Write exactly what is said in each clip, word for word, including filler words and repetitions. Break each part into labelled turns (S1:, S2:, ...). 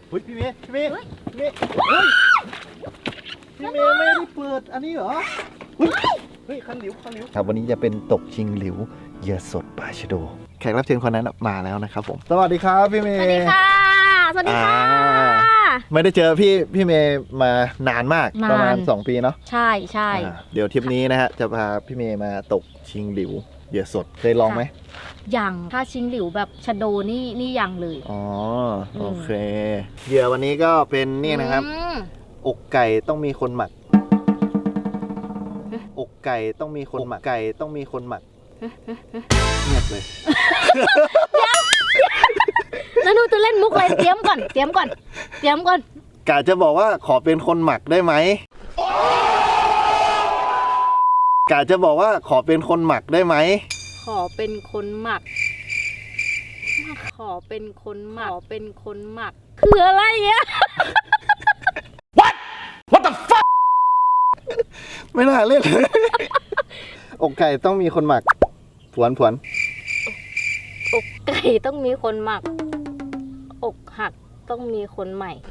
S1: เฮ้ยพี่เมย์พี่เมย์พี่เมย์เฮ้ยพี่เมย์ไม่ได้เปิดอันนี้เหรอเฮ้ยเฮ้ยคันหลิวคันหลิวครับวันนี้จะเป็นตกชิงหลิวเหยื่อสดปลาชะโดแขกรับเชิญคนนั้นมาแล้วนะครับผมสวัสดีครับพี่เมย์
S2: สวัสดีค่ะสวัสดีค่ะ
S1: ไม่ได้เจอพี่พี่เมย์มานานมากประมาณสองปีเนาะ
S2: ใช่ใช่
S1: เดี๋ยวทริปนี้นะฮะจะพาพี่เมย์มาตกชิงหลิวเหยื่อสดเคยลองไหม
S2: ยังถ้าชิงหลิวแบบชะโดนี่นี่ยังเลย
S1: อ๋อโอเคเหยื่อวันนี้ก็เป็นนี่นะครับอกไก่ต้องมีคนหมักอกไก่ต้องมีคนหมักไก่ต้องมีคนหมักเงียบเลย
S2: แล้วหนูจะเล่นมุกอะไรเตรียมก่อนเตรียมก่อนเตรียมก่อน
S1: กะจะบอกว่าขอเป็นคนหมักได้ไหมกะจะบอกว่าขอเป็นคนหมักได้ไหม
S2: ขอเป็นคนหมักขอเป็นคนหมักขอเป็นคนหมักคืออะไรเนี่ย
S1: What What the fuck ไม่น่าเล่นเลยอกไก่ต้องมีคนหมักผวนผวน
S2: อกไก่ต้องมีคนหมักอกหักต้องมีคนใหม่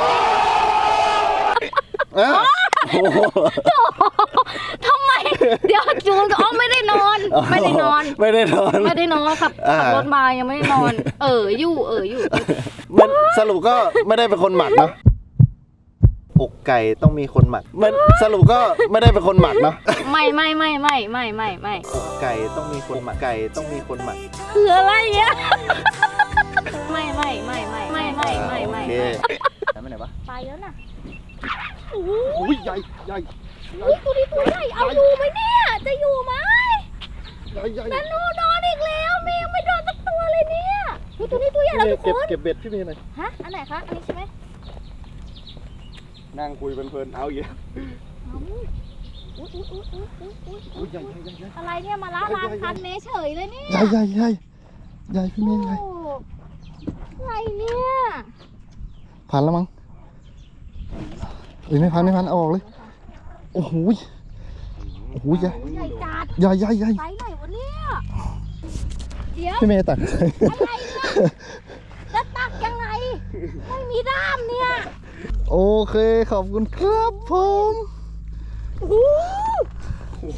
S2: ทำไมเดี๋ยวจูนอ๋อไม่ได้นอนไม่ได้นอน
S1: ไม่ได้นอน
S2: ไม่ได้นอนครับขับรถมายังไม่ได้นอนเอออยู่เอออยู่
S1: มันสรุปก็ไม่ได้เป็นคนหมักเนาะอกไก่ต้องมีคนหมักมันสรุปก็ไม่ได้เป็นคนหมักเนาะ
S2: ไม่ไม่ไม่ไม่ไม่ไม่ไม่
S1: อกไก่ต้องมีคนหมักไก่ต้องมีคนหมัก
S2: คืออะไรเนี่ยไม่ไม่ไม่ไม่ไม่ไม่ไม่ไม่
S1: ไม่ไหนวะ
S2: ไปแล้วนะ
S1: อุ้ยใหญ่ใหญ่
S2: อุ้ยตัวนี้ตัวใหญ่เอาอยู่ไหมเนี่ยจะอยู่ไหม
S1: ใหญ่ใหญ่
S2: นันนูนอนอีกแล้วเมย์ไม่โดนสักตัวเลยเนี่ยตัวนี้ตัวใหญ่แล้วทุกคน
S1: เก็บเบ็ดพี่เมย์หน่อย
S2: ฮะอันไหนคะอันนี้ใช่ไหม
S1: นั่งคุยเพลินๆเอาเยอะ
S2: อุ้ยอุ้ยอุ้ยอุ้ยอุ้ยอุ้ยอะไรเนี่ยมาล้าลานคันเมย์เฉยเลยเนี่ย
S1: ใหญ่ใหญ่ใหญ่ใหญ่พี่เมย์ใหญ่
S2: อะไรเนี่ย
S1: ผ่านแล้วมั้งเอ้ยไม่พันไม่พันเอาออกเลยโอ้โหโอ้โหใหญ่
S2: ใหญ่จัด
S1: ใหญ่ใหญ่ใหญ่
S2: ไซส์ไหนวะเนี่ยเดี๋ยว
S1: พี่เมย์ตัก
S2: อะไรเนี่ยจะตักยังไงไม่มีด้ามเนี่ย
S1: โอเคขอบคุณครับผม
S2: โอ้โห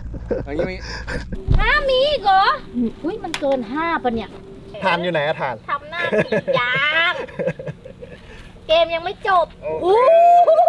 S2: ห้ามีอีกเหรออุ้ยมันเกินห้าปะเนี่ย
S1: ทานอยู่ไหนอะทาน
S2: ทำหน้าสียางเกมยังไม่จบโอ้